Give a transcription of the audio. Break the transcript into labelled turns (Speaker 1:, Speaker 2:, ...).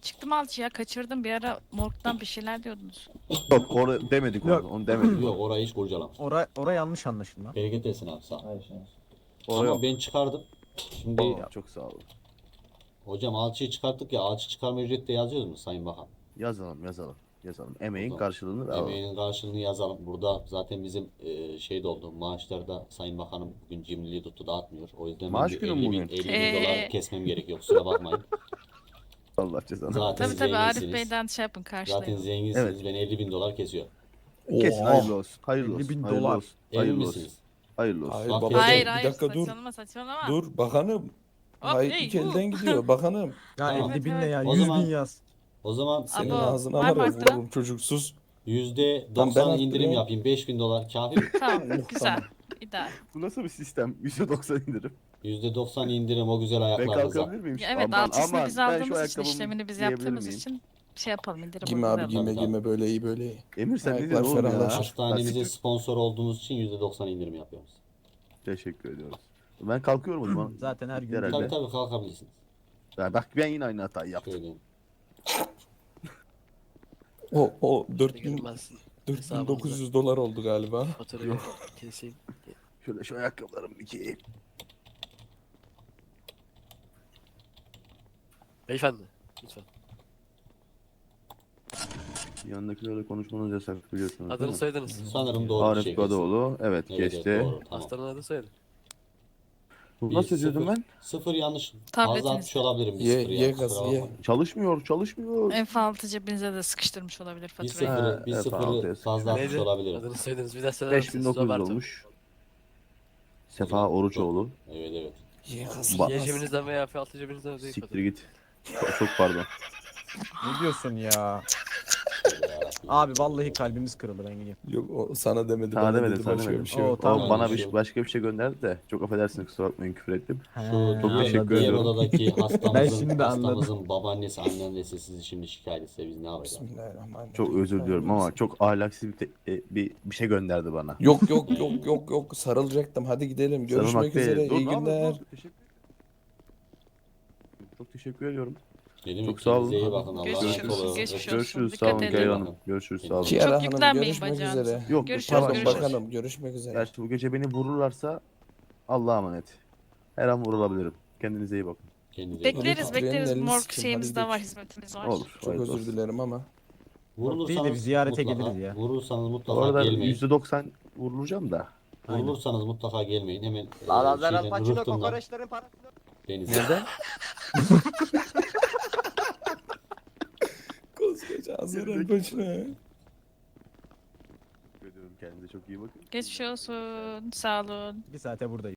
Speaker 1: Çıktım alçıya kaçırdım bir ara morgdan bir şeyler diyordunuz.
Speaker 2: Yok onu demedik
Speaker 3: Yok.
Speaker 2: onu demedik.
Speaker 4: Yok orayı hiç kurcalama.
Speaker 3: Ora yanlış anlaşılma.
Speaker 4: Bereket etsin abi sağ ol.
Speaker 2: Oraya
Speaker 4: Ama
Speaker 2: yok.
Speaker 4: ben çıkardım. Şimdi
Speaker 2: Oo, çok sağ olun.
Speaker 4: hocam alçıyı çıkarttık ya, alçı çıkarma ücreti de yazıyoruz mu Sayın Bakan?
Speaker 2: Yazalım. Emeğin
Speaker 4: Burada
Speaker 2: karşılığını alalım.
Speaker 4: emeğinin karşılığını yazalım. Burada zaten bizim şey de oldu. Maaşlarda Sayın Bakanım bugün cimriliği tuttu dağıtmıyor. O yüzden
Speaker 2: Maaş
Speaker 4: ben bir
Speaker 2: günü mü
Speaker 4: 50 bin,
Speaker 2: bugün?
Speaker 4: 50 bin dolar kesmem gerekiyor. Kusura bakmayın.
Speaker 2: Allah cezanı.
Speaker 4: Zaten
Speaker 1: Tabii Arif
Speaker 4: zenginsiniz.
Speaker 1: Bey'den şey yapın
Speaker 4: Zaten
Speaker 1: karşılayın.
Speaker 4: zenginsiniz.
Speaker 2: Evet.
Speaker 4: Ben 50 bin dolar kesiyorum.
Speaker 2: Kesin hayırlı olsun. Hayırlı
Speaker 3: 50 bin
Speaker 2: olsun. Hayırlı
Speaker 3: dolar.
Speaker 2: olsun.
Speaker 4: Emin
Speaker 2: Hayırlı olsun.
Speaker 4: misiniz?
Speaker 2: Hayırlı olsun.
Speaker 5: Hayır
Speaker 4: Bak,
Speaker 5: babacan
Speaker 1: Hayır
Speaker 5: bir
Speaker 1: hayır
Speaker 5: dakika dur.
Speaker 1: saçmalama.
Speaker 5: Dur bakanım.
Speaker 1: Hop,
Speaker 5: Hayır
Speaker 1: hey,
Speaker 5: ilk elden gidiyor bakanım.
Speaker 3: Ya
Speaker 4: Tamam.
Speaker 3: 50 bin ne
Speaker 1: Evet,
Speaker 3: ya?
Speaker 4: O
Speaker 3: 100
Speaker 4: zaman-
Speaker 3: bin yaz.
Speaker 4: O zaman
Speaker 5: Senin
Speaker 1: Abo,
Speaker 5: ağzına
Speaker 1: var mı
Speaker 5: var ya
Speaker 1: arttıran?
Speaker 5: vururum çocuksuz.
Speaker 4: %90
Speaker 5: ben
Speaker 4: indirim
Speaker 5: arttırıyorum.
Speaker 4: yapayım. 5 bin dolar kafi mi?
Speaker 1: Tamam güzel.
Speaker 5: Tamam.
Speaker 1: İdeal.
Speaker 2: Bu nasıl bir sistem? %90 indirim.
Speaker 4: %90 indirim o güzel
Speaker 2: Ben
Speaker 4: ayaklarınıza.
Speaker 2: kalkabilir miyim?
Speaker 1: Ya evet
Speaker 2: Aman,
Speaker 1: alçısını
Speaker 2: aman,
Speaker 1: biz
Speaker 2: ben şu
Speaker 1: aldığımız için
Speaker 2: ayakkabımı
Speaker 1: işlemini biz
Speaker 2: giyebilir
Speaker 1: yaptığımız
Speaker 2: miyim?
Speaker 1: için şey yapalım indirim
Speaker 5: Giyme abi
Speaker 1: uygulayalım.
Speaker 5: giyme
Speaker 4: Tabii,
Speaker 5: giyme böyle iyi böyle iyi.
Speaker 2: Emir sen ne
Speaker 5: Ayaklar
Speaker 2: diyorsun oğlum ya?
Speaker 5: ferahlaşır.
Speaker 4: Hastanemize
Speaker 2: Lastik-
Speaker 4: sponsor olduğunuz için %90 indirim yapıyoruz.
Speaker 2: Teşekkür ediyoruz. Ben kalkıyorum o zaman.
Speaker 3: Zaten her gün
Speaker 2: Herhalde.
Speaker 4: Tabii tabii kalkabilirsiniz.
Speaker 2: Ya bak ben yine aynı hatayı yaptım.
Speaker 4: Söyleyeyim.
Speaker 5: O 4000
Speaker 6: Girmez.
Speaker 5: 4900 dolar oldu galiba.
Speaker 6: Faturayı keseyim.
Speaker 2: Şöyle şu ayakkabılarımı bir giyeyim.
Speaker 6: Beyefendi lütfen.
Speaker 2: Yanındakilerle konuşmanız yasak biliyorsunuz değil
Speaker 6: Adını
Speaker 2: mi?
Speaker 6: soyadınız.
Speaker 4: Sanırım doğru bir
Speaker 2: Arif
Speaker 4: şey kesin.
Speaker 2: Kadıoğlu. Evet,
Speaker 4: Evet,
Speaker 2: geçti.
Speaker 4: evet doğru. Tamam.
Speaker 6: Hastanın adı soyadı.
Speaker 2: Bu
Speaker 4: Bir
Speaker 2: nasıl yazıyordum
Speaker 4: sıfır-
Speaker 2: ben?
Speaker 4: Sıfır yanlış.
Speaker 1: Tabletiniz.
Speaker 4: Fazla atmış olabilirim bir
Speaker 5: Ye
Speaker 4: sıfır
Speaker 5: ye
Speaker 4: ya.
Speaker 5: gazı
Speaker 4: kusura
Speaker 5: ye.
Speaker 4: bakmayın.
Speaker 2: Çalışmıyor.
Speaker 1: F6 cebinize de sıkıştırmış olabilir
Speaker 4: Bir
Speaker 1: faturayı.
Speaker 4: sıfırı, bir
Speaker 2: evet,
Speaker 4: sıfırı
Speaker 2: altıya
Speaker 4: fazla atmış
Speaker 6: Neydi?
Speaker 4: olabilirim.
Speaker 6: Adını soyadınız bir daha söyler misiniz?
Speaker 2: 5900
Speaker 6: Roberto.
Speaker 2: olmuş. Sefa Oruçoğlu.
Speaker 4: Evet evet.
Speaker 5: Ye gazı
Speaker 2: Bak.
Speaker 6: Y
Speaker 5: ye.
Speaker 6: cebinizden veya F6 cebinizden ödeyin
Speaker 2: Siktir
Speaker 6: faturayı.
Speaker 2: git. Çok pardon.
Speaker 3: Ne diyorsun ya?
Speaker 4: Ya,
Speaker 3: Abi vallahi kalbimiz kırıldı ben gideyim.
Speaker 5: Yok o sana demedi
Speaker 2: Sana
Speaker 5: bana
Speaker 2: demedim,
Speaker 5: dedi
Speaker 2: sana
Speaker 5: başka
Speaker 2: demedim.
Speaker 5: bir şey
Speaker 3: Oo,
Speaker 5: yok.
Speaker 3: tamam.
Speaker 2: O bana
Speaker 4: bir şey yok.
Speaker 2: başka bir şey gönderdi de çok affedersiniz kusura bakmayın küfür ettim.
Speaker 4: Şu
Speaker 2: Çok
Speaker 4: diğer,
Speaker 2: teşekkür
Speaker 4: diğer
Speaker 2: ediyorum.
Speaker 4: odadaki
Speaker 3: Ben
Speaker 4: hastamızın,
Speaker 3: şimdi anladım.
Speaker 4: hastamızın babaannesi, anneannesi sizi şimdi şikayet etse biz ne yapacağız?
Speaker 5: Bismillahirrahmanirrahim.
Speaker 2: Çok özür diliyorum ama çok ahlaksız bir şey gönderdi bana.
Speaker 5: Yok sarılacaktım. Hadi gidelim.
Speaker 2: Sarılmak
Speaker 5: Görüşmek
Speaker 2: değil.
Speaker 5: üzere.
Speaker 2: Dur,
Speaker 5: İyi
Speaker 2: ne yapıyorsun?
Speaker 5: günler.
Speaker 2: Dur, teşekkür- Çok teşekkür ediyorum.
Speaker 4: Dedim
Speaker 2: Çok
Speaker 4: ki
Speaker 2: sağ
Speaker 4: kendinize
Speaker 2: olun.
Speaker 4: iyi bakın. Allah'a
Speaker 1: Görüşürüz,
Speaker 4: emanet olun.
Speaker 1: geçmiş olsun.
Speaker 2: Görüşürüz.
Speaker 1: Dikkat
Speaker 2: Sağ olun
Speaker 1: edin.
Speaker 2: Kiara Hanım. Görüşürüz. Sağ olun.
Speaker 5: Kiara Hanım
Speaker 1: yüklenmeyin
Speaker 5: görüşmek
Speaker 1: bacağınıza.
Speaker 5: üzere.
Speaker 2: Yok,
Speaker 1: Görüşürüz,
Speaker 5: Pardon
Speaker 1: görüşürüz.
Speaker 5: bakanım görüşmek üzere.
Speaker 2: Gerçi bu gece beni vururlarsa Allah'a emanet. Her an vurulabilirim. Kendinize iyi bakın.
Speaker 4: Kendinize iyi bakın.
Speaker 1: Bekleriz
Speaker 5: Faturayı
Speaker 1: bekleriz
Speaker 5: elini
Speaker 1: morg
Speaker 5: sikeyim,
Speaker 1: şeyimiz
Speaker 5: hadi
Speaker 1: de var
Speaker 5: gidelim.
Speaker 1: hizmetimiz var.
Speaker 2: Olur.
Speaker 5: Çok
Speaker 2: hayırlı
Speaker 5: özür
Speaker 2: olsun.
Speaker 5: dilerim ama.
Speaker 3: Değil de bir ziyarete geliriz ya.
Speaker 4: Vurursanız
Speaker 2: Bu
Speaker 4: mutlaka
Speaker 2: arada
Speaker 4: gelmeyin.
Speaker 2: %90 vurulacağım da.
Speaker 3: Aynen.
Speaker 4: Vurulursanız mutlaka gelmeyin. Hemen
Speaker 7: Lazlar Al
Speaker 4: şeyden,
Speaker 7: Pacino
Speaker 4: rıhtımdan
Speaker 7: kokoreçlerin parasını
Speaker 4: denize.
Speaker 2: Nereden?
Speaker 5: Koskoca Azrail başına.
Speaker 2: Ediyorum kendinize çok iyi bakın.
Speaker 1: Geçmiş olsun. Sağ olun.
Speaker 3: 2 saate buradayım.